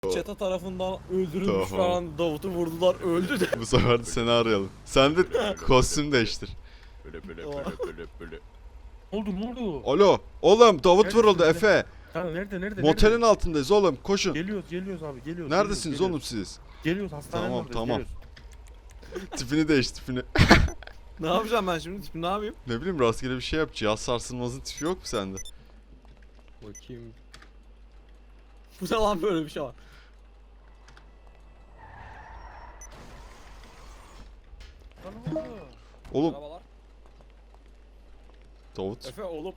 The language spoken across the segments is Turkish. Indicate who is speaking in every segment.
Speaker 1: Çete tarafından öldürülmüş
Speaker 2: Tamam.
Speaker 1: falan, Davut'u vurdular, öldü de.
Speaker 2: Bu sefer de seni arayalım. Sen de kostüm değiştir.
Speaker 3: Böyle.
Speaker 4: Ne oldu ne oldu?
Speaker 2: Alo. Oğlum Davut
Speaker 4: Nerede,
Speaker 2: vuruldu
Speaker 4: nerede?
Speaker 2: Efe.
Speaker 4: Ha nerede?
Speaker 2: Motelin
Speaker 4: nerede?
Speaker 2: altındayız oğlum. Koşun.
Speaker 4: Geliyoruz abi geliyoruz.
Speaker 2: Neredesiniz
Speaker 4: geliyoruz.
Speaker 2: oğlum siz?
Speaker 4: Geliyoruz hastanenin
Speaker 2: Tamam,
Speaker 4: oradayız,
Speaker 2: tamam.
Speaker 4: geliyoruz.
Speaker 2: Tipini değiş tipini.
Speaker 1: Ne yapacağım ben şimdi? Ne yapayım?
Speaker 2: Ne bileyim rastgele bir şey yap. Cihaz sarsılmazın tipi yok mu sende?
Speaker 1: Bakayım. Bu ne lan, böyle bir şey var.
Speaker 4: Lan ne oldu?
Speaker 2: Oğlum
Speaker 1: Merhabalar.
Speaker 2: Davut.
Speaker 1: Efe oğlum.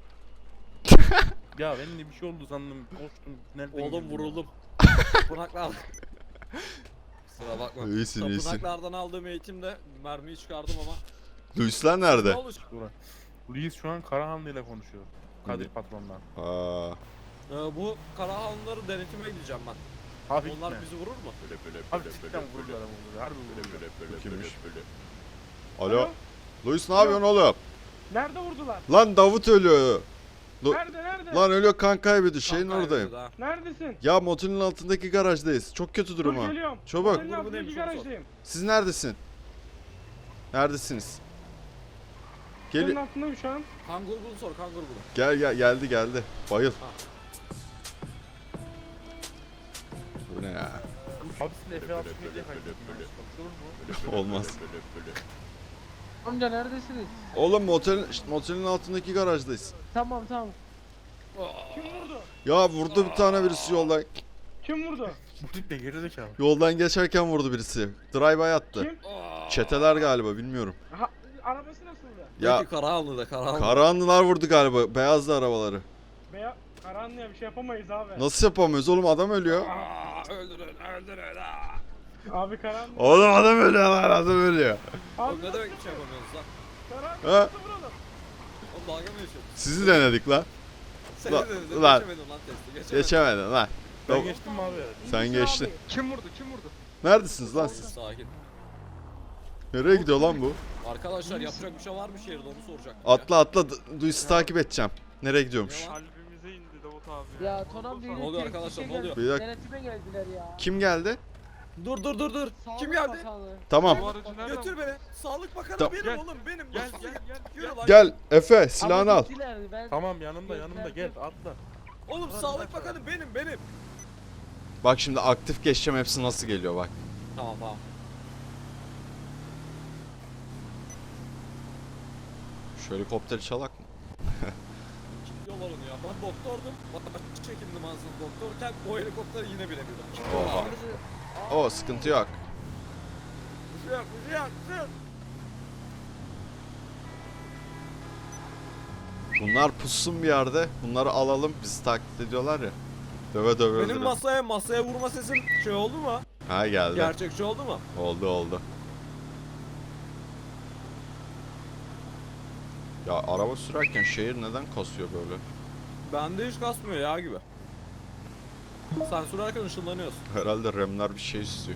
Speaker 4: Ya benim de bir şey oldu sandım. Koştum. Nereden
Speaker 1: Oğlum
Speaker 4: girdim
Speaker 1: vuruldum. Tapınaklar. Kusura bakma.
Speaker 2: İyisin iyisin.
Speaker 1: Tapınaklardan aldığım eğitimde mermiyi çıkardım ama.
Speaker 2: Luisler
Speaker 1: Ne
Speaker 2: nerede?
Speaker 1: oldu?
Speaker 4: ya? Dur. Luis şu an Karahanlı ile konuşuyor. Kadir patronla.
Speaker 2: Aa,
Speaker 1: Bu Karahanlıları denetime gideceğim ben.
Speaker 4: Hafif
Speaker 1: Onlar
Speaker 4: gitme.
Speaker 1: bizi vurur mu?
Speaker 4: Hafif cidden vuruyor adam vuruyor. Harbi vuruyor.
Speaker 2: kimmiş? Alo. Luis ne yapıyorsun oğlum?
Speaker 5: Nerede vurdular?
Speaker 2: Lan Davut ölüyor.
Speaker 5: Nerede?
Speaker 2: Lan ölüyor kan kaybediyor. Şeyin
Speaker 1: Kan
Speaker 2: oradayım.
Speaker 1: kaybediyordu ha.
Speaker 5: Neredesin?
Speaker 2: Ya motelin altındaki garajdayız. Çok kötü durum
Speaker 5: Dur
Speaker 2: ha.
Speaker 5: geliyorum.
Speaker 2: Çabuk.
Speaker 5: Senin
Speaker 1: Grubu
Speaker 5: altındaki
Speaker 1: neymiş, onu sor.
Speaker 5: garajdayım.
Speaker 2: Siz neredesin? Neredesiniz?
Speaker 5: Senin
Speaker 2: Gel
Speaker 5: altındayım şu an.
Speaker 1: Kan grubunu sor, kan grubunu.
Speaker 2: gel geldi. Bayıl. Bu ne ya?
Speaker 4: Abi sizin Efe altı diye kaydettim. Konuşulur mu?
Speaker 2: Olmaz.
Speaker 6: Amca neredesiniz?
Speaker 2: Oğlum motelin altındaki garajdayız.
Speaker 6: Tamam.
Speaker 5: Kim vurdu?
Speaker 2: Ya vurdu bir tane birisi yoldan.
Speaker 5: Kim vurdu?
Speaker 4: Bu tip de gerizekalı.
Speaker 2: Yoldan geçerken vurdu birisi. Drive-by attı.
Speaker 5: Kim?
Speaker 2: Çeteler galiba bilmiyorum.
Speaker 5: Ha, arabası nasıldı?
Speaker 2: Ya
Speaker 1: Peki Karahanlı'da, Karahanlı.
Speaker 2: Karahanlılar vurdu galiba. Beyazlı arabaları.
Speaker 5: Karanlığa bir şey yapamayız abi.
Speaker 2: Nasıl yapamıyoruz oğlum adam ölüyor.
Speaker 1: Öldürün.
Speaker 5: Abi karanlık.
Speaker 2: Oğlum adam ölüyor lan adam ölüyor.
Speaker 5: Abi
Speaker 1: Oğlum ne demek bir şey yapamıyoruz lan?
Speaker 5: karanlık
Speaker 2: Ha?
Speaker 5: nasıl vuralım?
Speaker 1: Oğlum dalga mı geçiyorsun?
Speaker 2: Sizi denedik lan.
Speaker 1: Seni
Speaker 2: Lan-
Speaker 1: denedim,
Speaker 2: lan.
Speaker 1: geçemedim lan testi, geçemedim.
Speaker 2: Geçemedin lan.
Speaker 4: Ben
Speaker 2: Tamam.
Speaker 4: geçtim mi abi?
Speaker 2: Sen geçtin.
Speaker 5: Kim vurdu?
Speaker 2: Neredesiniz lan siz?
Speaker 1: Sakin.
Speaker 2: Nereye gidiyor lan bu?
Speaker 1: Arkadaşlar yapacak bir şey var mı şehirde, onu soracaktım
Speaker 2: Atla Luis'i takip edeceğim. Nereye gidiyormuş?
Speaker 1: Ya.
Speaker 5: Kalbimize indi Davut abi.
Speaker 6: Ya Tonam
Speaker 1: Ne oluyor arkadaşlar, ne oluyor?
Speaker 2: Bir dakika.
Speaker 6: Denetime geldiler ya.
Speaker 2: Kim geldi?
Speaker 1: Dur.
Speaker 6: Sağlık
Speaker 1: Kim geldi?
Speaker 6: Bakanlığı.
Speaker 2: Tamam.
Speaker 1: Götür beni. Sağlık Bakanı
Speaker 2: Tamam.
Speaker 1: benim oğlum, benim.
Speaker 5: Gel.
Speaker 1: Yürü lan.
Speaker 2: Gel Efe silahını
Speaker 6: Ama
Speaker 2: al.
Speaker 6: gittiler, ben...
Speaker 4: Tamam yanımda gel atla.
Speaker 1: Oğlum Sağlık Bakanı benim.
Speaker 2: Bak şimdi aktif geçeceğim hepsi nasıl geliyor bak.
Speaker 1: Tamam.
Speaker 2: Şu helikopteri çalak mı?
Speaker 1: Kilitliyorlar onu ya. Ben doktordum. Bana çekindim aslında doktorken, o helikopteri yine binemedim.
Speaker 2: Oha. O sıkıntı yok.
Speaker 1: Bir şey yok.
Speaker 2: Bunlar pussun bir yerde. Bunları alalım. Bizi taklit ediyorlar ya. Döve
Speaker 1: Benim
Speaker 2: öldürelim.
Speaker 1: masaya vurma sesim şey oldu mu?
Speaker 2: Ha geldi.
Speaker 1: Gerçekçi oldu mu?
Speaker 2: Oldu. Ya araba sürerken şehir neden kasıyor böyle?
Speaker 1: Bende hiç kasmıyor ya gibi. Sen sürerken ışınlanıyorsun.
Speaker 2: Herhalde remler bir şey istiyor.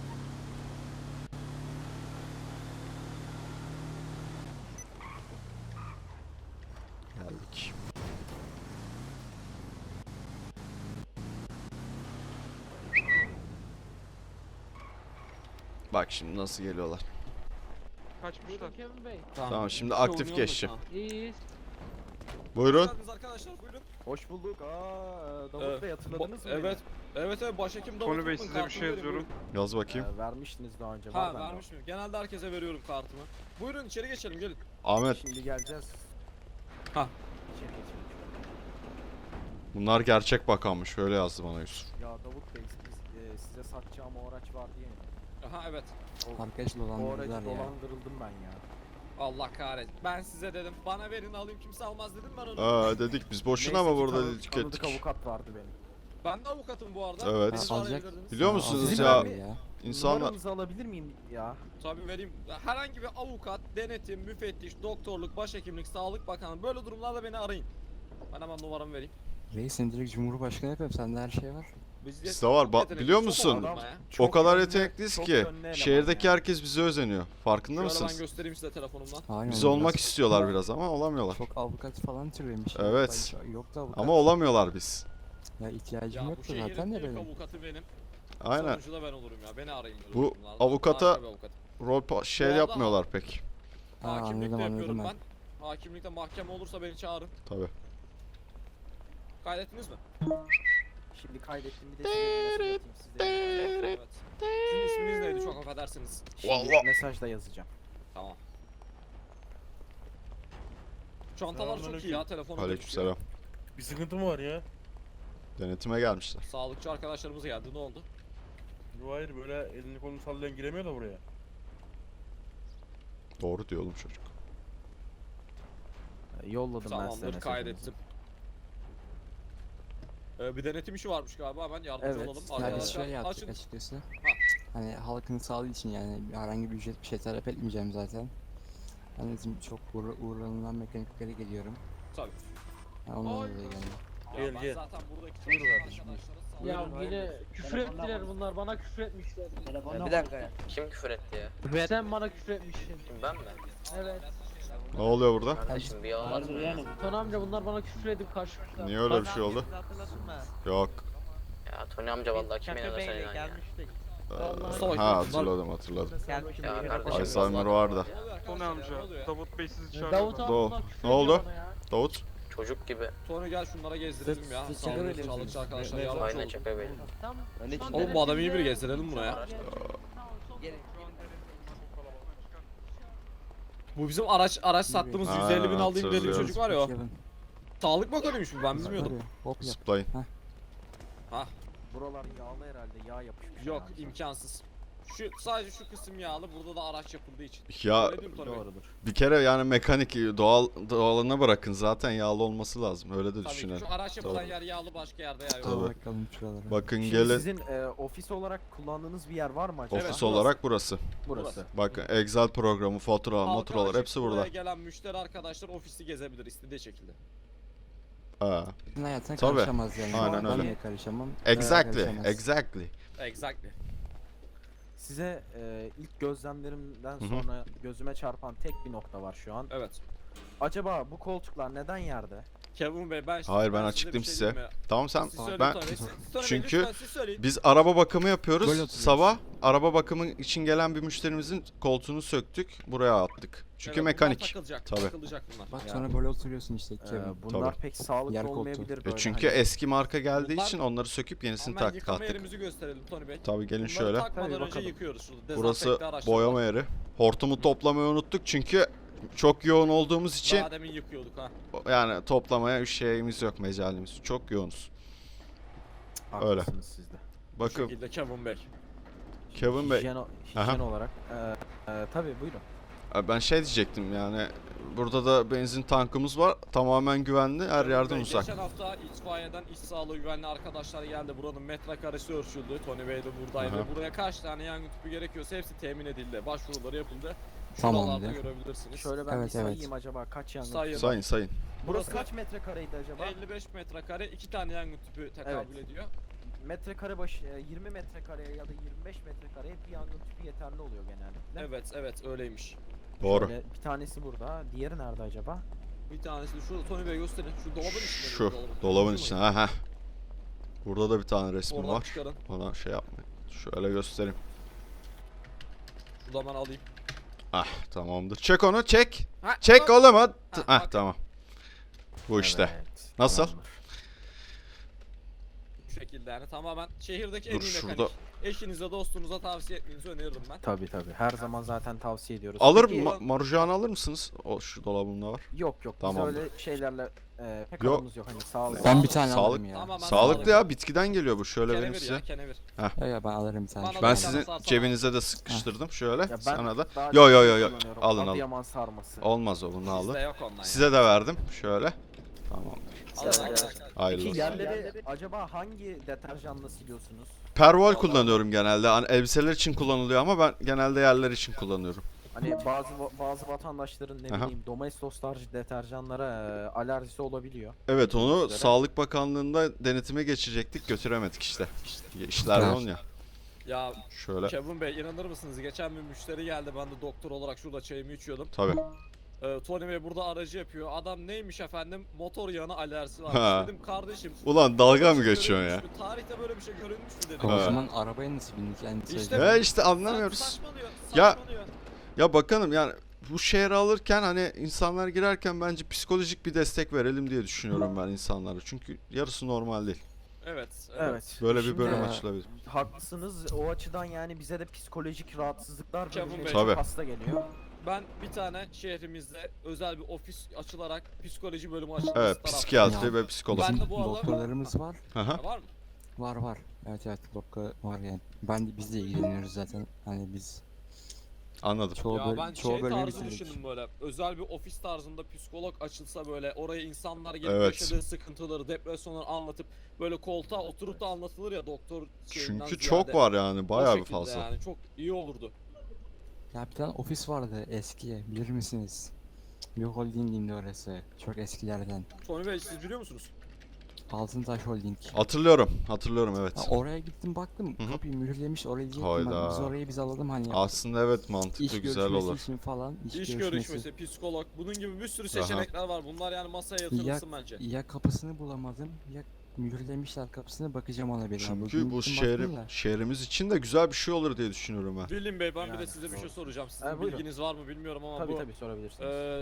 Speaker 2: Geldik. Bak şimdi nasıl geliyorlar.
Speaker 5: Kaçmışlar.
Speaker 6: Kemal Bey.
Speaker 2: Tamam, şimdi
Speaker 1: Bir şey
Speaker 2: aktif
Speaker 1: oynuyorum
Speaker 2: geçeceğim.
Speaker 1: şu an.
Speaker 6: İyiyiz.
Speaker 2: Buyurun.
Speaker 1: Hoş geldiniz arkadaşlar, buyurun.
Speaker 7: Hoş bulduk. Davut Bey hatırladınız mı?
Speaker 1: Evet, başhekim Davut.
Speaker 5: Tony Bey,
Speaker 1: Tutman,
Speaker 5: size bir
Speaker 1: kartımı
Speaker 5: şey
Speaker 1: verin,
Speaker 5: yazıyorum.
Speaker 2: Yaz bakayım.
Speaker 7: Vermiştiniz daha önce.
Speaker 1: Ha
Speaker 7: var bende.
Speaker 1: vermiş miyim? Genelde herkese veriyorum kartımı. Buyurun içeri geçelim, gelin.
Speaker 2: Ahmet,
Speaker 7: Şimdi geleceğiz.
Speaker 1: Ha.
Speaker 7: İçeri geçelim.
Speaker 2: bunlar gerçek bakanmış. Öyle yazdı bana Yusuf.
Speaker 7: Ya Davut Bey size satacağım o araç vardı ya.
Speaker 1: Aha evet.
Speaker 7: Arkadaş dolandırıldım ben ya.
Speaker 1: Allah kahretsin. Ben size dedim. Bana verin alayım, kimse almaz dedim ben onu.
Speaker 2: Dedik biz boşuna
Speaker 7: Neyse
Speaker 2: mı
Speaker 7: ki
Speaker 2: burada
Speaker 7: tanıdık
Speaker 2: tükettik.
Speaker 7: avukat vardı benim.
Speaker 1: Ben de avukatım bu arada.
Speaker 2: Evet.
Speaker 1: Beni de arayabilirdiniz.
Speaker 2: Biliyor musunuz
Speaker 7: Sizin
Speaker 2: ya
Speaker 7: abi
Speaker 2: insanlar
Speaker 7: Numaranızı alabilir miyim ya?
Speaker 1: Tabii vereyim. Herhangi bir avukat, denetim, müfettiş, doktorluk, başhekimlik, sağlık bakanı, böyle durumlarda beni arayın. Ben hemen numaramı vereyim.
Speaker 8: Reis direkt Cumhurbaşkanı yapıyorum. Sende her şey var.
Speaker 2: Bizde var. Biliyor musun? o kadar yetenekliyiz
Speaker 7: çok
Speaker 2: ki
Speaker 7: yönlü eleman
Speaker 2: şehirdeki
Speaker 7: ya.
Speaker 2: herkes bize özeniyor. Farkında
Speaker 1: Şöyle ben
Speaker 2: mısınız?
Speaker 1: göstereyim size telefonumdan.
Speaker 8: Aynen.
Speaker 2: Biz olmak istiyorlar biraz ama olamıyorlar.
Speaker 8: Çok avukat falan türemiş.
Speaker 2: Evet.
Speaker 8: Yok da avukat.
Speaker 2: Ama olamıyorlar biz.
Speaker 8: Ya ihtiyacım
Speaker 1: Ya bu
Speaker 8: yoktu
Speaker 1: şehrin
Speaker 8: zaten de
Speaker 1: ilk
Speaker 8: benim.
Speaker 1: avukatı benim.
Speaker 2: Aynen.
Speaker 1: Sonuncu da ben olurum ya. Beni arayın. böyle
Speaker 2: Bu
Speaker 1: durumlarda.
Speaker 2: avukata-
Speaker 1: Harika bir avukat.
Speaker 2: Şey
Speaker 1: Bu arada-
Speaker 2: yapmıyorlar pek.
Speaker 8: Ha,
Speaker 1: Hakimlik de
Speaker 8: anladım
Speaker 1: yapıyorum
Speaker 8: anladım
Speaker 1: ben.
Speaker 8: ben.
Speaker 1: Hakimlikte mahkeme olursa beni çağırın.
Speaker 2: Tabi.
Speaker 1: Kaydettiniz mi?
Speaker 7: Şimdi kaydettim bir de size bir mesaj atayım size.
Speaker 1: Evet. Sizin isminiz neydi? Çok affedersiniz.
Speaker 7: Şimdi
Speaker 2: Vallahi.
Speaker 7: mesajda yazacağım.
Speaker 1: Tamam. Çantalar çok iyi ya. Telefonu
Speaker 2: Aleykümselam.
Speaker 4: Bir sıkıntı mı var ya?
Speaker 2: Denetime gelmişler.
Speaker 1: Sağlıkçı arkadaşlarımız geldi. Ne oldu?
Speaker 4: Yo hayır böyle elini kolunu sallayan giremiyor da buraya.
Speaker 2: Doğru diyor oğlum çocuk.
Speaker 7: Yolladım ben size
Speaker 1: Tamamdır,
Speaker 7: mesajınızı.
Speaker 1: kaydettim. Bir denetim işi varmış galiba. Hemen yardımcı
Speaker 7: Evet,
Speaker 1: olalım.
Speaker 8: Ya biz
Speaker 1: Arkadaşlar
Speaker 8: şöyle yaptık
Speaker 1: açın.
Speaker 8: açıkçası. Hani halkın sağlığı için yani herhangi bir ücret bir şey talep etmeyeceğim zaten. Ben bizim çok uğranılan mekaniklere geliyorum.
Speaker 1: Tabii.
Speaker 8: Ha, ondan
Speaker 1: Ay.
Speaker 8: dolayı geldim.
Speaker 1: Ya
Speaker 4: Gel,
Speaker 1: ben
Speaker 4: gel.
Speaker 1: zaten buradaki
Speaker 4: Buyur
Speaker 1: çalışan
Speaker 4: kardeşim, buyur.
Speaker 1: arkadaşlara sağlık-
Speaker 5: Ya yine küfür ettiler bunlar bana küfür etmişler.
Speaker 3: Bir dakika ya. Kim küfür etti ya?
Speaker 5: Sen bana küfür etmişsin.
Speaker 3: Ben mi?
Speaker 5: Evet.
Speaker 2: Ne oluyor burada?
Speaker 3: Kardeşim bir yalan var mı ya?
Speaker 5: Tony amca bunlar bana küfür edip kaçmışlar.
Speaker 2: Niye öyle bir şey oldu? Yok.
Speaker 3: Ya Tony amca vallahi kim inanır sen inan ya.
Speaker 1: Mustafa,
Speaker 2: Ha
Speaker 1: bunlar-
Speaker 2: hatırladım.
Speaker 3: Ya kardeşim.
Speaker 2: Alzheimer var da.
Speaker 1: Ne oluyor
Speaker 5: Tony
Speaker 1: arkadaşlar, ne oluyor
Speaker 5: amca,
Speaker 1: ya?
Speaker 5: Davut Bey sizi çağırıyor. Davut abi
Speaker 2: Doğu.
Speaker 5: bunlar küfür
Speaker 2: Ne oldu?
Speaker 5: ediyor bana ya.
Speaker 2: Davut.
Speaker 3: Çocuk gibi.
Speaker 1: Tony gel şunlara gezdirelim ya.
Speaker 7: Siz
Speaker 1: Sağlıkçı,
Speaker 7: çekebilir
Speaker 1: sağlıkçı
Speaker 7: misiniz?
Speaker 1: arkadaşlar
Speaker 4: Ne-
Speaker 1: yardımcı
Speaker 3: Aynen
Speaker 1: olun.
Speaker 3: çaka bey.
Speaker 5: Tam
Speaker 7: Öyle
Speaker 5: şu an
Speaker 1: Oğlum bu adamı iyi biri
Speaker 5: denetimde-
Speaker 1: gezdirelim buraya. Bu bizim araç sattığımız
Speaker 2: Ha,
Speaker 1: 150 bin aldığım deli bir
Speaker 2: hatırlıyorum.
Speaker 1: çocuk var ya o.
Speaker 8: Kevin.
Speaker 1: Sağlık bakanıymış bu, ben bilmiyordum.
Speaker 8: Tabii, hop yap.
Speaker 2: Zıplayın.
Speaker 7: Buralar yağlı herhalde yağ yapışmış.
Speaker 1: Yok,
Speaker 7: herhalde.
Speaker 1: imkansız. Sadece şu kısım yağlı, burada da araç yapıldığı için.
Speaker 2: Ya
Speaker 1: Öyle değil mi Tony Bey?
Speaker 7: Doğrudur.
Speaker 2: bir kere yani mekanik doğalına bırakın zaten yağlı olması lazım. Öyle de
Speaker 1: Tabii ki
Speaker 2: düşünelim.
Speaker 1: şu araç yapılan
Speaker 2: Tabii.
Speaker 1: yer yağlı, başka yerde yağ yok.
Speaker 2: Tabii.
Speaker 8: Bakalım şuralara.
Speaker 2: Bakın
Speaker 7: Şimdi
Speaker 2: gelin
Speaker 7: sizin ofis olarak kullandığınız bir yer var mı acaba?
Speaker 1: Evet,
Speaker 2: ofis
Speaker 1: burası.
Speaker 2: olarak burası.
Speaker 7: Burası.
Speaker 2: Bakın Excel programı, faturalar,
Speaker 1: Halka
Speaker 2: maturalar
Speaker 1: açık,
Speaker 2: hepsi
Speaker 1: buraya
Speaker 2: burada.
Speaker 1: gelen müşteri arkadaşlar ofisi gezebilir istediği şekilde.
Speaker 2: Ha.
Speaker 8: Senin hayatına
Speaker 2: Tabii.
Speaker 8: karışamaz yani.
Speaker 2: Aynen
Speaker 8: Ben
Speaker 2: öyle.
Speaker 8: niye karışamam?
Speaker 2: Exactly.
Speaker 8: Karışamaz.
Speaker 2: Exactly.
Speaker 1: Exactly.
Speaker 7: Size ilk gözlemlerimden
Speaker 2: Hı hı.
Speaker 7: sonra gözüme çarpan tek bir nokta var şu an.
Speaker 1: Evet.
Speaker 7: Acaba bu koltuklar neden yerde?
Speaker 1: Kevin Bey ben
Speaker 2: Hayır, ben
Speaker 1: size
Speaker 2: açıklayayım
Speaker 1: bir şey
Speaker 2: size.
Speaker 1: diyeyim mi?
Speaker 2: Tamam sen
Speaker 1: Siz söyleyin
Speaker 2: ben
Speaker 1: Tony Bey, Tony Bey,
Speaker 2: çünkü
Speaker 1: lütfen siz söyleyin.
Speaker 2: biz araba bakımı yapıyoruz.
Speaker 8: Böyle oturuyoruz.
Speaker 2: Sabah araba bakımı için gelen bir müşterimizin koltuğunu söktük. Buraya attık. Çünkü
Speaker 1: Evet, bunlar
Speaker 2: mekanik.
Speaker 1: takılacak,
Speaker 2: Tabii.
Speaker 1: takılacak bunlar.
Speaker 8: Bak
Speaker 7: Ya.
Speaker 8: sonra böyle oturuyorsun işte Kevin.
Speaker 7: Bunlar
Speaker 2: Tabii.
Speaker 7: pek sağlıklı
Speaker 8: Yer koltuğu.
Speaker 7: olmayabilir böyle.
Speaker 2: Çünkü
Speaker 7: hani.
Speaker 2: eski marka geldiği
Speaker 1: Bunlar-
Speaker 2: için onları söküp yenisini
Speaker 1: Hemen
Speaker 2: taktık.
Speaker 1: yıkama yerimizi gösterelim Tony Bey.
Speaker 2: Tabii gelin
Speaker 1: Bunları
Speaker 2: şöyle.
Speaker 1: takmadan
Speaker 7: Tabii,
Speaker 1: önce
Speaker 7: bakalım.
Speaker 1: yıkıyoruz şurada.
Speaker 2: Burası
Speaker 1: Dezenfekte araçlar
Speaker 2: boyama
Speaker 1: var.
Speaker 2: yeri. Hortumu toplamayı unuttuk çünkü çok yoğun olduğumuz için
Speaker 1: Daha demin yıkıyorduk ha.
Speaker 2: yani toplamaya şeyimiz yok, mecalimiz. Çok yoğunuz. öyle.
Speaker 7: Haklısınız siz de.
Speaker 1: Bu
Speaker 2: Bakın
Speaker 1: şekilde Kevin Bey.
Speaker 2: Kevin Bey.
Speaker 7: Hijyen olarak. Tabii buyurun.
Speaker 2: Ben şey diyecektim yani burada da benzin tankımız var. Tamamen güvenli, her
Speaker 1: Kevin
Speaker 2: yerden
Speaker 1: Bey,
Speaker 2: uzak.
Speaker 1: Geçen hafta itfaiyeden iş sağlığı güvenli arkadaşlar geldi. Buranın metrekaresi ölçüldü. Tony Bey de buradaydı.
Speaker 2: Aha.
Speaker 1: Buraya kaç tane yangın tüpü gerekiyorsa hepsi temin edildi. Başvuruları yapıldı.
Speaker 8: Tamamdır.
Speaker 1: Şuralarda görebilirsiniz.
Speaker 7: Şöyle ben
Speaker 8: Evet,
Speaker 7: bir
Speaker 8: evet.
Speaker 7: sayayım acaba kaç yangın?
Speaker 1: Sayın.
Speaker 2: Sayın.
Speaker 7: Burası
Speaker 1: Burası
Speaker 7: kaç metrekareydi acaba?
Speaker 1: 55 metrekare 2 tane yangın tüpü tekabül ediyor.
Speaker 7: Metrekare başı 20 metrekareye ya da 25 metrekareye bir yangın tüpü yeterli oluyor genellikle.
Speaker 1: Evet öyleymiş.
Speaker 2: Doğru.
Speaker 7: Şöyle bir tanesi burada. Diğeri nerede acaba?
Speaker 1: Bir tanesi şu Tony Bey gösterin. Şu dolabın içinde.
Speaker 2: Şu dolabın içine. Ha. Burada da bir tane resmi
Speaker 1: Oradan
Speaker 2: var.
Speaker 1: çıkarın.
Speaker 2: Ona şey yapmayın. Şöyle göstereyim.
Speaker 1: Şuradan ben alayım.
Speaker 2: Ah tamamdır. Çek onu çek.
Speaker 1: Ha,
Speaker 2: Çek
Speaker 1: bak.
Speaker 2: oğlum hadi.
Speaker 1: Ha,
Speaker 2: Ah
Speaker 1: bak.
Speaker 2: tamam. Bu işte.
Speaker 7: Evet,
Speaker 2: Nasıl?
Speaker 7: tamamdır.
Speaker 1: Bu şekilde yani tamamen şehirdeki
Speaker 2: Dur,
Speaker 1: en iyi mekanik.
Speaker 2: şurada.
Speaker 1: Eşinize dostunuza tavsiye etmenizi öneririm ben.
Speaker 7: Tabii. Her zaman zaten tavsiye ediyoruz.
Speaker 2: Alır
Speaker 7: Peki-
Speaker 2: marujağını alır mısınız? O şu dolabında var.
Speaker 7: Yok.
Speaker 2: Tamam.
Speaker 7: Biz öyle şeylerle pek
Speaker 2: Yok.
Speaker 7: aramız yok. Hani sağlık.
Speaker 8: Ben bir tane
Speaker 2: Sağlık-
Speaker 8: alırım ya.
Speaker 1: Tamamen
Speaker 2: Sağlıklı ya, bitkiden geliyor bu. Şöyle benim
Speaker 1: Kenevir
Speaker 2: size.
Speaker 1: ya kenevir.
Speaker 8: Ya ben alırım bir tane.
Speaker 1: Bana
Speaker 8: şu
Speaker 1: da
Speaker 2: Ben
Speaker 8: an.
Speaker 2: sizin
Speaker 1: sarsana.
Speaker 2: cebinize de sıkıştırdım şöyle.
Speaker 7: Ya ben
Speaker 2: Sana da.
Speaker 7: daha
Speaker 2: Yo,
Speaker 7: çok
Speaker 2: yo,
Speaker 7: şey
Speaker 2: yo, yo.
Speaker 7: kullanıyorum.
Speaker 2: Alın, alın.
Speaker 7: Adıyaman sarması.
Speaker 2: Olmaz o, bunu alın.
Speaker 1: Bizde yok ondan
Speaker 2: Size de verdim. Şöyle. Tamam.
Speaker 1: Alın, alın, alın.
Speaker 2: Hayırlı
Speaker 7: Peki
Speaker 2: olsun.
Speaker 7: yerleri acaba hangi deterjanla siliyorsunuz?
Speaker 2: Pervol kullanıyorum genelde. Hani elbiseler için kullanılıyor ama ben genelde yerler için kullanıyorum.
Speaker 7: Hani bazı vatandaşların ne
Speaker 2: Aha.
Speaker 7: bileyim Domestos tarzı deterjanlara alerjisi olabiliyor.
Speaker 2: Evet, onu
Speaker 7: Üzere.
Speaker 2: Sağlık Bakanlığı'nda denetime geçecektik. Götüremedik işte. İşler
Speaker 8: Evet.
Speaker 2: yoğun ya.
Speaker 1: Ya
Speaker 2: Şöyle.
Speaker 1: Kevin Bey inanır mısınız? Geçen bir müşteri geldi. Ben de doktor olarak şurada çayımı içiyordum.
Speaker 2: Tabii.
Speaker 1: Tony Bey burada aracı yapıyor. Adam neymiş efendim? Motor yağına alerjisi
Speaker 2: Ha.
Speaker 1: varmış. Dedim kardeşim.
Speaker 2: Ulan dalga
Speaker 1: böyle
Speaker 2: mı
Speaker 1: bir şey
Speaker 2: geçiyorsun ya?
Speaker 1: görülmüş mü? Tarihte böyle bir şey görülmüş mü dedim.
Speaker 8: O
Speaker 2: Ha.
Speaker 8: zaman arabaya nasıl bindik yani
Speaker 1: İşte
Speaker 8: söyleyeyim.
Speaker 2: He işte anlamıyoruz.
Speaker 1: Saçmalıyor.
Speaker 2: Ya-
Speaker 1: Saçmalıyor.
Speaker 2: Ya bakalım yani bu şehre alırken hani insanlar girerken bence psikolojik bir destek verelim diye düşünüyorum ben insanlara. Çünkü yarısı normal değil.
Speaker 1: Evet.
Speaker 7: Evet.
Speaker 2: Böyle bir
Speaker 7: Şimdi,
Speaker 2: bölüm
Speaker 8: e,
Speaker 2: açılabilir.
Speaker 7: Haklısınız. O açıdan yani bize de psikolojik rahatsızlıklar
Speaker 1: Kevin
Speaker 7: bölümüne
Speaker 1: Bey.
Speaker 7: çok
Speaker 2: Tabii.
Speaker 7: hasta geliyor.
Speaker 1: Ben bir tane şehrimizde özel bir ofis açılarak psikoloji bölümü açılması
Speaker 2: Evet,
Speaker 1: taraftayım.
Speaker 2: psikiyatri
Speaker 8: Ya.
Speaker 2: ve psikolog.
Speaker 1: Ben
Speaker 8: Bizim
Speaker 1: de bu arada-
Speaker 8: doktorlarımız var.
Speaker 2: Aha.
Speaker 1: Var mı?
Speaker 8: Var. Evet doktor var yani. Biz de ilgileniyoruz zaten. Hani biz
Speaker 2: Anladım.
Speaker 8: çoğu
Speaker 1: Ya
Speaker 8: bölüm,
Speaker 1: ben
Speaker 8: çoğu
Speaker 1: şey
Speaker 8: bölümü
Speaker 1: tarzı
Speaker 8: bitirdik.
Speaker 1: düşündüm böyle. Özel bir ofis tarzında psikolog açılsa böyle oraya insanlar gelip
Speaker 2: Evet.
Speaker 1: yaşadığı sıkıntıları, depresyonları anlatıp böyle koltuğa oturup da anlatılır ya doktor şeyinden
Speaker 2: Çünkü
Speaker 1: ziyade.
Speaker 2: çok var yani
Speaker 1: O
Speaker 2: bayağı bir
Speaker 1: şekilde
Speaker 2: fazla.
Speaker 1: Yani çok iyi olurdu.
Speaker 8: Ya bir tane ofis vardı eski, bilir misiniz? Bir holdingindi orası. Çok eskilerden.
Speaker 1: Tony Bey siz biliyor musunuz?
Speaker 8: Altıntaş Holding.
Speaker 2: Hatırlıyorum
Speaker 8: Ha,
Speaker 2: evet.
Speaker 8: oraya gittim baktım,
Speaker 2: Hı hı.
Speaker 8: kapıyı mühürlemiş, oraya diyecektim ben.
Speaker 2: Hayda.
Speaker 8: Biz orayı alalım hani.
Speaker 2: Aslında evet
Speaker 8: iş
Speaker 2: mantıklı güzel
Speaker 8: görüşmesi
Speaker 2: olur.
Speaker 8: için falan.
Speaker 1: İş görüşmesi, psikolog, bunun gibi bir sürü seçenekler var. Bunlar yani masaya yatırılsın bence.
Speaker 8: Ya kapısını bulamadım ya mühürlemişler kapısını, bakacağım ona bir daha.
Speaker 2: Çünkü
Speaker 8: Bugün
Speaker 2: bu
Speaker 8: gittim baktım da.
Speaker 2: şehrimiz için de güzel bir şey olur diye düşünüyorum ben.
Speaker 1: William Bey ben bir de
Speaker 7: Yani,
Speaker 1: size bir şey
Speaker 7: doğru.
Speaker 1: soracağım. Sizin
Speaker 7: Buyurun.
Speaker 1: bilginiz var mı bilmiyorum ama
Speaker 7: Tabii
Speaker 1: bu
Speaker 7: tabii sorabilirsiniz.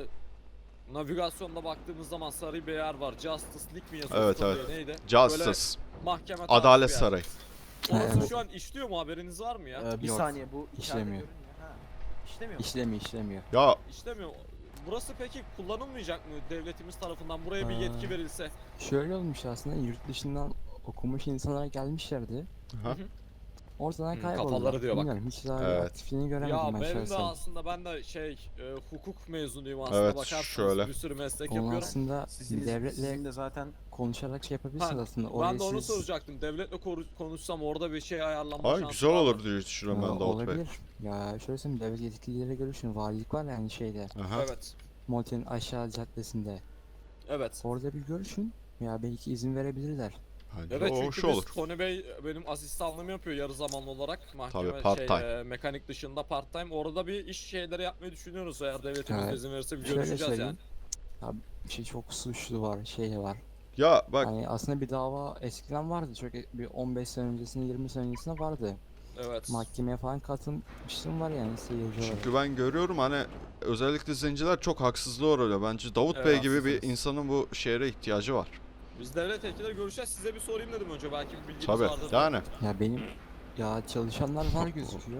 Speaker 1: navigasyonda baktığımız zaman sarı bir yer var. Justice League mi yazıyor?
Speaker 2: Evet,
Speaker 1: Konuyu,
Speaker 2: evet.
Speaker 1: Neydi?
Speaker 2: Justice.
Speaker 1: Böyle mahkeme tarzı
Speaker 2: Adalet
Speaker 1: bir yer.
Speaker 2: Sarayı.
Speaker 1: Orası
Speaker 8: Evet.
Speaker 1: şu an işliyor mu, haberiniz var mı ya?
Speaker 7: Bir
Speaker 8: Yok,
Speaker 7: saniye bu içeride
Speaker 8: işlemiyor.
Speaker 7: görünüyor. Ha. İşlemiyor mu?
Speaker 8: İşlemiyor.
Speaker 2: Ya
Speaker 1: İşlemiyor. Burası peki kullanılmayacak mı devletimiz tarafından? Buraya bir yetki verilse.
Speaker 8: Şöyle olmuş aslında, yurt dışından okumuş insanlar gelmişlerdi.
Speaker 2: Aha.
Speaker 8: Ortadan
Speaker 1: Hı,
Speaker 8: kayboldular.
Speaker 1: kafaları diyor bak.
Speaker 8: Bilmiyorum, hiç daha
Speaker 2: Evet.
Speaker 8: aktifliğini göremedim
Speaker 1: Ya
Speaker 8: ben
Speaker 1: benim de
Speaker 8: şahsen.
Speaker 1: aslında ben de hukuk mezunuyum aslında,
Speaker 2: Evet,
Speaker 1: bakarsanız
Speaker 2: şöyle.
Speaker 1: bir sürü meslek
Speaker 8: Onu
Speaker 1: yapıyorum.
Speaker 8: aslında devletle
Speaker 7: Sizin de zaten
Speaker 8: konuşarak şey yapabilirsiniz
Speaker 1: Ha,
Speaker 8: aslında.
Speaker 1: Ben
Speaker 8: Orayı
Speaker 1: de onu
Speaker 8: siz-
Speaker 1: soracaktım. Devletle konuşsam orada bir şey ayarlanma
Speaker 2: ay
Speaker 1: şansı
Speaker 2: güzel
Speaker 1: var mı?
Speaker 2: olur diye düşünüyorum ben Davut Bey.
Speaker 8: olabilir. Ya şöyle söyleyeyim, devlet yetkilileriyle görüşün. Valilik var yani şeyde.
Speaker 2: Aha.
Speaker 1: Evet.
Speaker 8: Molten aşağı caddesinde.
Speaker 1: Evet.
Speaker 8: Orada bir görüşün. Ya belki izin verebilirler.
Speaker 2: Bence
Speaker 1: Evet
Speaker 2: o
Speaker 1: çünkü
Speaker 2: hoş
Speaker 1: biz,
Speaker 2: olur.
Speaker 1: Tony Bey benim asistanlığımı yapıyor yarı zamanlı olarak. Mahkeme
Speaker 2: Tabii, part-time.
Speaker 1: mekanik dışında part time. Orada bir iş şeyleri yapmayı düşünüyoruz eğer devletimiz
Speaker 8: Evet.
Speaker 1: izin verirse bir
Speaker 8: Şöyle
Speaker 1: görüşeceğiz yani.
Speaker 8: söyleyeyim. Ya bir şey, çok suçlu var, şey var.
Speaker 2: Ya bak
Speaker 8: Hani aslında bir dava eskiden vardı. Çok bir 15 sene öncesinde, 20 sene öncesinde vardı.
Speaker 1: Evet.
Speaker 8: Mahkemeye falan katılmışlığım var yani seyirci olarak.
Speaker 2: çünkü ben görüyorum hani özellikle zenciler çok haksızlığa uğruyor. Bence Davut
Speaker 1: Evet,
Speaker 2: Bey gibi bir
Speaker 1: haklısınız.
Speaker 2: insanın bu şehre ihtiyacı var.
Speaker 1: Biz devlet yetkilileri görüşeceğiz. Size bir sorayım dedim önce. Belki bir bilginiz
Speaker 2: Tabii.
Speaker 1: vardır.
Speaker 2: Yani
Speaker 8: Ya benim ya çalışanlar var gözüküyor.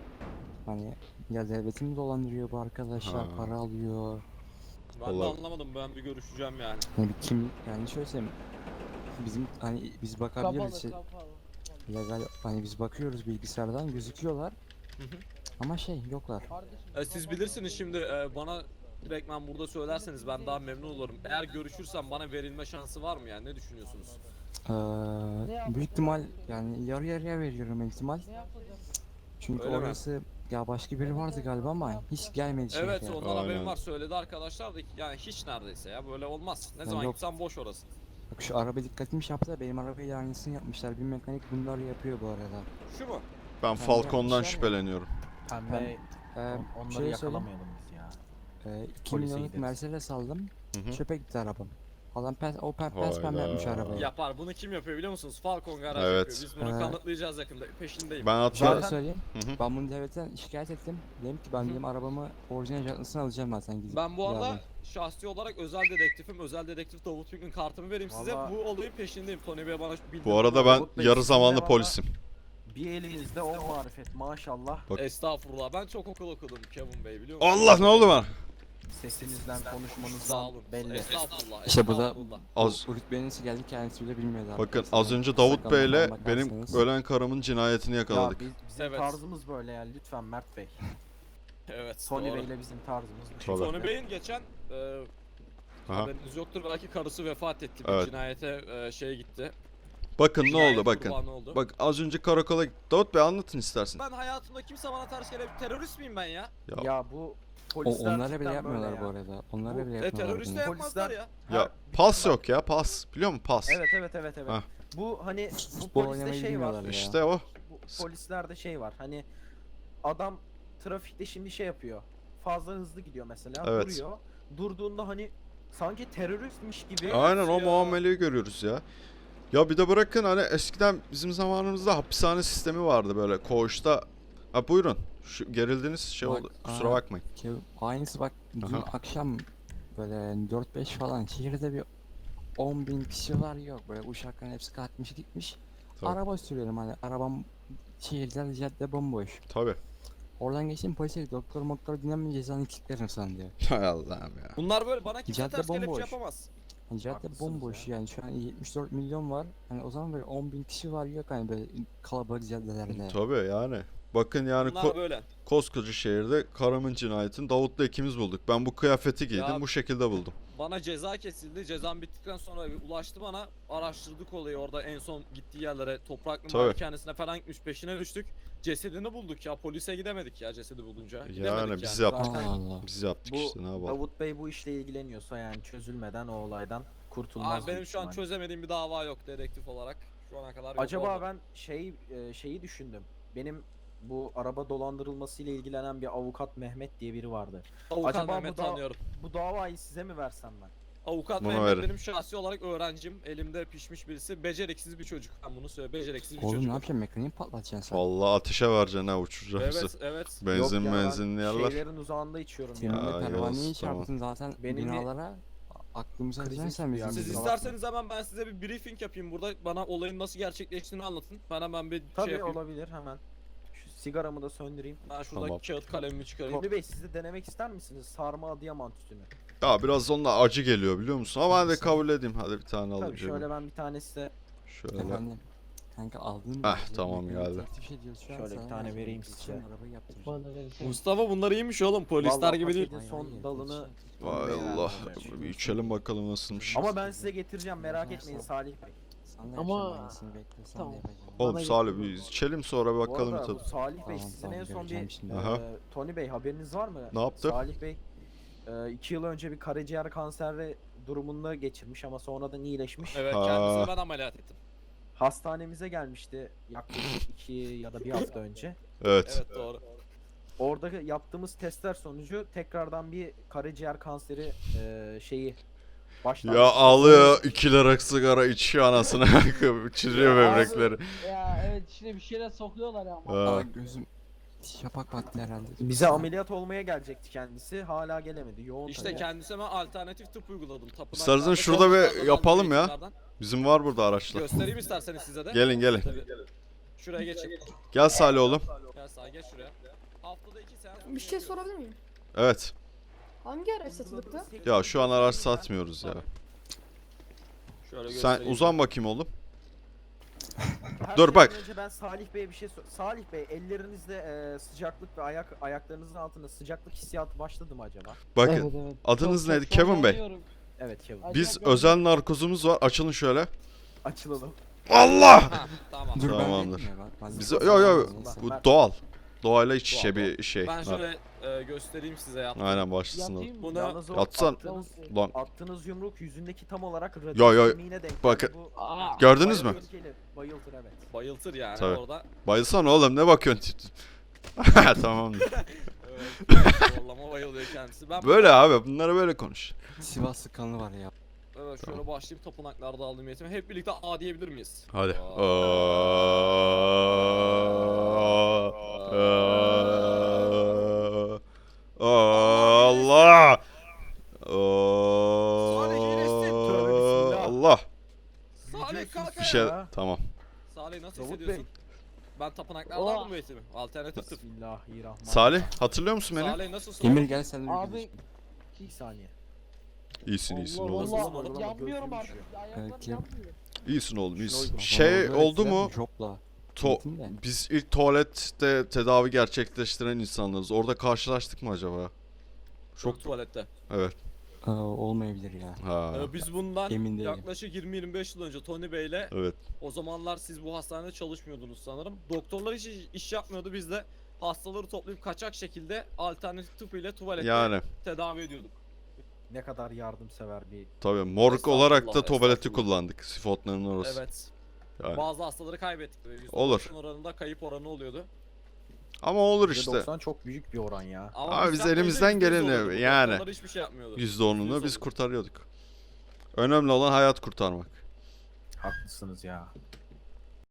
Speaker 8: Hani ya devletimi dolandırıyor bu arkadaşlar,
Speaker 2: Ha.
Speaker 8: para alıyor.
Speaker 1: Ben de
Speaker 2: Vallahi-
Speaker 1: anlamadım. Ben bir görüşeceğim yani.
Speaker 8: Hani bir kim yani şöyle söyleyeyim. Bizim hani biz bakabiliriz. Legal hani biz bakıyoruz bilgisayardan gözüküyorlar.
Speaker 1: Hı hı.
Speaker 8: Ama şey yoklar.
Speaker 1: Siz bilirsiniz şimdi bana direktmen burada söylerseniz ben daha memnun olurum. Eğer görüşürsem bana verilme şansı var mı yani? Ne düşünüyorsunuz?
Speaker 8: Büyük ihtimal yani yarı yarıya veriyorum ihtimal. Çünkü
Speaker 1: Öyle mi?
Speaker 8: orası ya başka biri vardı galiba ama hiç gelmedi şehre.
Speaker 1: Evet ondan
Speaker 2: Aynen.
Speaker 1: haberim var, söyledi arkadaşlar da yani hiç neredeyse ya böyle olmaz. Ne
Speaker 8: Ya
Speaker 1: zaman
Speaker 8: yok.
Speaker 1: gitsem boş orası.
Speaker 8: Bak şu araba dikkatimi yaptı da benim arabayla aynısını yapmışlar. Bir mekanik bunları yapıyor bu arada.
Speaker 1: Şu mu?
Speaker 2: ben Falcon'dan
Speaker 8: yapmışlar ya.
Speaker 2: şüpheleniyorum.
Speaker 7: Pembe
Speaker 8: Ee,
Speaker 7: onları
Speaker 8: şöyle
Speaker 7: yakalamayalım biz ya.
Speaker 8: 2
Speaker 7: Polise
Speaker 8: milyonluk
Speaker 7: gideriz.
Speaker 8: Mercedes aldım.
Speaker 2: Hı hı.
Speaker 8: Çöpe gitti arabam. Adam pembe
Speaker 2: Hayda.
Speaker 8: yapmış arabayı.
Speaker 1: Yapar. Bunu kim yapıyor biliyor musunuz? Falcon Garaj
Speaker 2: Evet.
Speaker 1: yapıyor. Biz bunu
Speaker 8: Ee,
Speaker 1: kanıtlayacağız yakında. Peşindeyim.
Speaker 2: Ben
Speaker 8: Şöyle
Speaker 2: hatta
Speaker 8: söyleyeyim.
Speaker 2: Hı hı.
Speaker 8: Ben bunu devletten şikayet ettim. Dedim ki ben
Speaker 1: Hı.
Speaker 8: dedim arabamı orijinal jantlasını alacağım zaten gidip.
Speaker 1: Ben bu arada
Speaker 8: yarın.
Speaker 1: şahsi olarak özel dedektifim. Özel dedektif Davut Bük'ün kartımı vereyim size.
Speaker 7: Vallahi-
Speaker 1: Bu olayın peşindeyim. Tony Bey bana bildirdi.
Speaker 2: bu arada ben
Speaker 7: Davut Bey,
Speaker 2: yarı
Speaker 7: sizin
Speaker 2: zamanlı
Speaker 7: de
Speaker 2: polisim.
Speaker 7: Bir elinizde o marifet maşallah.
Speaker 2: Bak-
Speaker 1: Estağfurullah. Ben çok okul okudum Kevin Bey biliyor musunuz?
Speaker 2: Allah ne oldu bana?
Speaker 7: Sesinizden,
Speaker 1: Sağ
Speaker 7: konuşmanızdan
Speaker 1: olun.
Speaker 7: belli.
Speaker 1: Estağfurullah.
Speaker 8: İşte bu da
Speaker 1: estağfurullah.
Speaker 2: Az
Speaker 8: bu rütbenin nasıl geldi kendisi bile bilmiyordu.
Speaker 2: bakın
Speaker 8: arkadaşlar.
Speaker 2: az önce Davut
Speaker 8: Instagram'dan
Speaker 2: Bey'le
Speaker 8: falan
Speaker 2: benim
Speaker 8: bakarsanız.
Speaker 2: ölen karımın cinayetini yakaladık.
Speaker 7: Ya bizim
Speaker 1: Evet.
Speaker 7: tarzımız böyle yani lütfen Mert Bey.
Speaker 1: Evet.
Speaker 7: Tony
Speaker 1: doğru.
Speaker 7: Bey'le bizim tarzımız bu.
Speaker 2: Tabii.
Speaker 1: Tony Bey'in geçen
Speaker 2: Aha.
Speaker 1: haberiniz yoktur belki karısı vefat etti. Bir
Speaker 2: Evet.
Speaker 1: cinayete şey gitti.
Speaker 2: Bakın ne
Speaker 1: Cinayet
Speaker 2: oldu bakın.
Speaker 1: kurbanı oldu.
Speaker 2: Bak az önce karakola Davut Bey anlatın istersen.
Speaker 1: Ben hayatımda kimse bana ters gele terörist miyim ben ya?
Speaker 7: Ya bu
Speaker 8: O,
Speaker 7: polisler
Speaker 8: onlara bile
Speaker 7: cidden
Speaker 8: yapmıyorlar
Speaker 7: böyle
Speaker 8: bu
Speaker 7: ya.
Speaker 8: arada. Onlara
Speaker 7: Bu-
Speaker 8: bile
Speaker 1: E
Speaker 8: yapmıyorlar
Speaker 1: terörist de
Speaker 8: bunu.
Speaker 1: yapmazlar
Speaker 7: Polisler-
Speaker 1: ya.
Speaker 2: Ya pas yok ya pas. Biliyor musun pas?
Speaker 7: Evet evet.
Speaker 2: Hah.
Speaker 7: Bu hani bu
Speaker 8: Futbol
Speaker 7: poliste
Speaker 8: oynamayı
Speaker 7: şey var.
Speaker 8: bilmiyorlar ya.
Speaker 2: İşte o.
Speaker 7: Bu polislerde şey var. Hani adam trafikte şimdi şey yapıyor. fazla hızlı gidiyor mesela.
Speaker 2: Evet.
Speaker 7: Duruyor. Durduğunda hani sanki teröristmiş gibi.
Speaker 2: Aynen o
Speaker 1: ya.
Speaker 2: muameleyi görüyoruz ya. Ya bir de bırakın hani eskiden bizim zamanımızda hapishane sistemi vardı böyle koğuşta. Ha buyurun. Şu gerildiniz şey
Speaker 8: Bak,
Speaker 2: oldu. Kusura
Speaker 8: aa.
Speaker 2: bakmayın.
Speaker 8: Ki aynısı bak dün
Speaker 2: Aha.
Speaker 8: akşam böyle 4-5 falan şehirde bir 10.000 kişi var yok böyle uşakların hepsi kalkmış gitmiş.
Speaker 2: Tabii.
Speaker 8: Araba sürüyorum hani arabam şehirde cadde bomboş.
Speaker 2: Tabii.
Speaker 8: Oradan geçtim polise doktor dinlemem cezanı kilitlerim sana diyor.
Speaker 2: Hay Allah'ım ya.
Speaker 1: Bunlar böyle bana kimse
Speaker 8: Cadde
Speaker 1: ters kelepçe
Speaker 8: bomboş.
Speaker 1: yapamaz.
Speaker 8: Hani cadde
Speaker 7: Haklısınız
Speaker 8: bomboş yani şu an 74 milyon var. Hani o zaman böyle 10.000 kişi var yok hani böyle kalabalık caddelerde.
Speaker 2: Tabii yani. Bakın yani
Speaker 1: Bunlar böyle.
Speaker 2: koskoca şehirde Karaman cinayetin Davut'la ikimiz bulduk. Ben bu kıyafeti giydim
Speaker 1: Ya-
Speaker 2: bu şekilde buldum.
Speaker 1: Bana ceza kesildi. Cezam bittikten sonra ulaştı bana. Araştırdık olayı orada en son gittiği yerlere. Topraklı
Speaker 2: Tabii.
Speaker 1: malikanesine falan gitmiş. Peşine düştük. Cesedini bulduk ya. Polise gidemedik ya cesedi bulunca.
Speaker 2: Yani
Speaker 1: Gidemedik
Speaker 2: biz
Speaker 1: yani.
Speaker 2: yaptık.
Speaker 8: Allah Allah.
Speaker 2: Biz yaptık
Speaker 7: Bu
Speaker 2: işte ne yapalım.
Speaker 7: Davut Bey bu işle ilgileniyorsa yani çözülmeden o olaydan kurtulmaz.
Speaker 1: Abi benim
Speaker 7: büyük
Speaker 1: şu an
Speaker 7: ihtimalle.
Speaker 1: çözemediğim bir dava yok dedektif olarak. Şu ana kadar yok
Speaker 7: Acaba
Speaker 1: orada.
Speaker 7: ben şeyi düşündüm. Benim bu araba dolandırılması ile ilgilenen bir avukat Mehmet diye biri vardı.
Speaker 1: Avukat
Speaker 7: acaba
Speaker 1: Mehmet
Speaker 7: bu da-
Speaker 1: tanıyorum.
Speaker 7: Bu davayı size mi versem ben?
Speaker 1: Avukat
Speaker 2: Buna
Speaker 1: Mehmet
Speaker 2: verin.
Speaker 1: benim şahsi olarak öğrencim. Elimde pişmiş birisi. Beceriksiz bir çocuk. Ben bunu söyle. Beceriksiz bir
Speaker 8: Oğlum
Speaker 1: çocuk.
Speaker 8: ne yapacaksın mekaniği patlatacaksın sen.
Speaker 2: Vallahi ateşe vereceksin ha uçuracağım
Speaker 1: Evet evet.
Speaker 2: Benzin
Speaker 7: Yok ya, ben
Speaker 2: benzinli yerler.
Speaker 7: Şeylerin uzağında içiyorum
Speaker 8: Senin
Speaker 7: ya.
Speaker 2: Aa,
Speaker 8: de pervaneyi
Speaker 2: Yavuz, tamam.
Speaker 8: çarptın zaten
Speaker 7: Benim bir
Speaker 8: binalara aklımıza
Speaker 7: krizi
Speaker 8: sen
Speaker 7: çıktı ya.
Speaker 8: bizim
Speaker 1: Siz
Speaker 7: Kusura
Speaker 1: isterseniz hemen ben size bir briefing yapayım burada. Bana olayın nasıl gerçekleştiğini anlatın. Ben hemen bir
Speaker 7: Tabii
Speaker 1: şey yapayım.
Speaker 7: olabilir hemen. Şu sigaramı da söndüreyim.
Speaker 1: Ben şurada
Speaker 2: Tamam.
Speaker 1: kağıt kalemimi çıkarayım.
Speaker 7: Tony Bey siz de denemek ister misiniz? Sarma Adıyaman tütünü.
Speaker 2: Ya biraz onunla acı geliyor biliyor musun? Ama ben de
Speaker 8: Sen-
Speaker 2: kabul edeyim. Hadi bir tane alayım.
Speaker 7: Tabii şöyle ben bir tane size
Speaker 2: Şöyle.
Speaker 8: Efendim. Kanka aldığın
Speaker 2: tamam, geldi.
Speaker 8: Teklif ediyoruz şu an
Speaker 7: Şöyle bir
Speaker 8: sana
Speaker 7: tane
Speaker 8: vereceğim.
Speaker 7: vereyim
Speaker 8: İçin
Speaker 7: size.
Speaker 8: Arabayı yaptıracağım.
Speaker 5: Bana verirsen.
Speaker 1: Mustafa bunlar iyiymiş oğlum. Polisler
Speaker 7: Vallahi
Speaker 1: gibi değil.
Speaker 7: paketin
Speaker 8: Hayır,
Speaker 7: son
Speaker 8: hayır,
Speaker 7: dalını
Speaker 8: geçin.
Speaker 2: Vay
Speaker 7: Tony Bey'e
Speaker 2: Allah.
Speaker 7: verdim.
Speaker 2: Bir içelim bakalım nasılmış.
Speaker 7: Ama ben size getireceğim merak etmeyin Salih Bey.
Speaker 8: Sana
Speaker 5: Ama-
Speaker 8: yapacağım aynısını bekle sen
Speaker 5: Tamam.
Speaker 8: de yapacağım.
Speaker 2: Oğlum
Speaker 5: Bana
Speaker 2: Salih
Speaker 5: getir.
Speaker 2: bir içelim sonra bir
Speaker 7: Bu
Speaker 2: bakalım bir
Speaker 7: arada bu
Speaker 2: tadı.
Speaker 7: Salih Bey
Speaker 8: Tamam,
Speaker 7: sizin
Speaker 8: tamam,
Speaker 7: en son
Speaker 8: göreceğim
Speaker 7: bir
Speaker 8: şimdi.
Speaker 2: Aha.
Speaker 7: Tony Bey haberiniz var mı?
Speaker 2: Ne yaptı?
Speaker 7: Salih Bey 2 yıl önce bir karaciğer kanseri durumunda geçirmiş ama sonradan iyileşmiş.
Speaker 1: Evet
Speaker 2: Ha.
Speaker 1: kendisini ben ameliyat ettim.
Speaker 7: Hastanemize gelmişti yaklaşık 2 ya da 1 hafta önce.
Speaker 2: Evet.
Speaker 1: Evet doğru.
Speaker 7: Orada yaptığımız testler sonucu tekrardan bir karaciğer kanseri şeyi başlamış.
Speaker 2: Ya alıyor 2 lira sigara içiyor anasını. Çiziyor
Speaker 5: Ya abi.
Speaker 2: böbrekleri.
Speaker 5: Ya evet içine bir şeyler sokuyorlar ya ama.
Speaker 2: Ha.
Speaker 8: Aa gözüm şapak battı herhalde.
Speaker 7: Bize ameliyat olmaya gelecekti kendisi. Hala gelemedi. Yoğun
Speaker 1: İşte
Speaker 7: tabii.
Speaker 1: kendisine ben alternatif tıp uyguladım.
Speaker 2: İstersen
Speaker 1: Tapınaklarda
Speaker 2: şurada bir
Speaker 1: çalışmalardan,
Speaker 2: yapalım ya.
Speaker 1: eğitimlerden.
Speaker 2: Bizim var burada araçlar.
Speaker 1: Göstereyim isterseniz size de.
Speaker 2: Gelin gelin.
Speaker 1: Tabii. Şuraya geçin.
Speaker 2: Gel Salih oğlum.
Speaker 1: Gel sağa geç şuraya. Haftada 2 seans.
Speaker 6: Bir şey sorabilir miyim?
Speaker 2: Evet.
Speaker 6: Hangi araç satılıkta?
Speaker 2: Ya şu an araç satmıyoruz ya.
Speaker 1: Şöyle
Speaker 2: Sen
Speaker 1: göstereyim.
Speaker 2: uzan bakayım oğlum.
Speaker 7: Her
Speaker 2: Dur,
Speaker 7: şeyden
Speaker 2: bak.
Speaker 7: Önce ben Salih Bey'e bir şey Salih Bey ellerinizde sıcaklık ve ayaklarınızın altında sıcaklık hissiyatı başladı mı acaba?
Speaker 2: Bakın.
Speaker 5: Evet, evet.
Speaker 2: Adınız
Speaker 5: Çok-
Speaker 2: neydi?
Speaker 5: çok
Speaker 2: Kevin Bey.
Speaker 5: zorlanıyorum.
Speaker 7: Evet Kevin.
Speaker 5: Ay-
Speaker 2: Biz
Speaker 5: Acayip
Speaker 2: özel narkozumuz var. Açılın şöyle.
Speaker 7: Açılalım.
Speaker 2: Allah!
Speaker 1: Ha, tamam.
Speaker 8: Dur ben
Speaker 2: Tamamdır.
Speaker 8: vereyim ya, bak,
Speaker 2: Biz
Speaker 8: ben-
Speaker 2: yo yo
Speaker 8: Neyse.
Speaker 2: bu doğal. Doğayla iç içe
Speaker 1: Doğal,
Speaker 2: bir şey.
Speaker 1: Ben
Speaker 2: var.
Speaker 1: şöyle göstereyim size ya.
Speaker 2: Aynen başlasın oğlum.
Speaker 5: Yatayım mı?
Speaker 1: Bunu
Speaker 7: Yalnız o
Speaker 2: Yatsan-
Speaker 7: attığınız,
Speaker 2: Lan
Speaker 7: attığınız yumruk yüzündeki tam olarak
Speaker 2: Yo, yo,
Speaker 7: kemiğine denk.
Speaker 2: bakın.
Speaker 7: geldi. Bu
Speaker 5: Aa,
Speaker 2: gördünüz mü?
Speaker 7: tehlikeli, bayıltır evet.
Speaker 1: bayıltır yani
Speaker 2: Tabii.
Speaker 1: orada.
Speaker 2: Bayılsana oğlum ne bakıyorsun? Tamamdır.
Speaker 1: Evet. Zorlama bayılıyor kendisi. Ben
Speaker 2: Böyle abi bunlara böyle konuş.
Speaker 8: Sivaslı kanı var ya.
Speaker 1: Evet şöyle
Speaker 2: Tamam.
Speaker 1: başlayayım tapınaklarda aldığım eğitimi. Hep birlikte A diyebilir miyiz?
Speaker 2: Hadi.
Speaker 1: Aa.
Speaker 2: Allah.
Speaker 1: Salih iyileşsin.
Speaker 7: Tövbe bismillah.
Speaker 2: Allah.
Speaker 1: Salih kalk
Speaker 2: Bir şey
Speaker 7: Ya.
Speaker 2: tamam.
Speaker 1: Salih nasıl
Speaker 7: Davut
Speaker 1: hissediyorsun? Ben tapınaklarda
Speaker 5: Oha.
Speaker 1: aldım bu eğitimi. Alternatif tıp.
Speaker 7: Bismillahirrahmanirrahim.
Speaker 2: Salih hatırlıyor musun beni?
Speaker 1: Salih nasılsın?
Speaker 8: Emir gel sen de bir
Speaker 5: Abi
Speaker 8: görüş.
Speaker 7: Bir saniye.
Speaker 2: İyisin iyisin
Speaker 5: Allah
Speaker 2: oğlum.
Speaker 1: Nasılsın
Speaker 5: Allah
Speaker 1: oğlum?
Speaker 5: yanmıyorum
Speaker 7: Gözüm
Speaker 5: artık.
Speaker 7: düşüyor.
Speaker 5: Ayaklarım
Speaker 8: Kim?
Speaker 5: yanmıyor.
Speaker 2: İyisin oğlum iyisin.
Speaker 7: Şuna uygun.
Speaker 2: Şey
Speaker 8: Bana
Speaker 2: oldu
Speaker 8: öğrettiler,
Speaker 2: mu?
Speaker 8: Jobla.
Speaker 2: To
Speaker 8: Eğitim de.
Speaker 2: biz ilk tuvalette tedavi gerçekleştiren insanlarız. Orada karşılaştık mı acaba?
Speaker 1: Çok tuvalette.
Speaker 2: Evet.
Speaker 8: Olmayabilir ya.
Speaker 2: Ha.
Speaker 1: Biz bundan
Speaker 8: Emin değilim.
Speaker 1: yaklaşık 20-25 yıl önce Tony Bey'le
Speaker 2: Evet.
Speaker 1: o zamanlar siz bu hastanede çalışmıyordunuz sanırım. Doktorlar hiç iş yapmıyordu. Biz de hastaları toplayıp kaçak şekilde alternatif tıp ile tuvalette
Speaker 2: Yani
Speaker 1: tedavi ediyorduk.
Speaker 7: Ne kadar yardımsever bir
Speaker 2: tabii morg olarak da
Speaker 1: Estağfurullah,
Speaker 2: tuvaleti
Speaker 1: estağfurullah.
Speaker 2: kullandık. Sifotların orası.
Speaker 1: Evet.
Speaker 2: Yani.
Speaker 1: Bazı hastaları kaybettik. Böyle
Speaker 2: Olur.
Speaker 1: %90 oranında kayıp oranı oluyordu.
Speaker 2: Ama olur işte.
Speaker 7: %90 çok büyük bir oran ya.
Speaker 1: Ama
Speaker 2: Abi biz
Speaker 1: yapmayınca
Speaker 2: elimizden
Speaker 1: %100
Speaker 2: geleni
Speaker 1: oluyordu. Bu
Speaker 2: yani.
Speaker 1: doktorlar hiçbir şey yapmıyordu.
Speaker 2: %10'unu
Speaker 1: %100
Speaker 2: biz
Speaker 1: oldu.
Speaker 2: kurtarıyorduk. Önemli olan hayat kurtarmak.
Speaker 7: Haklısınız ya.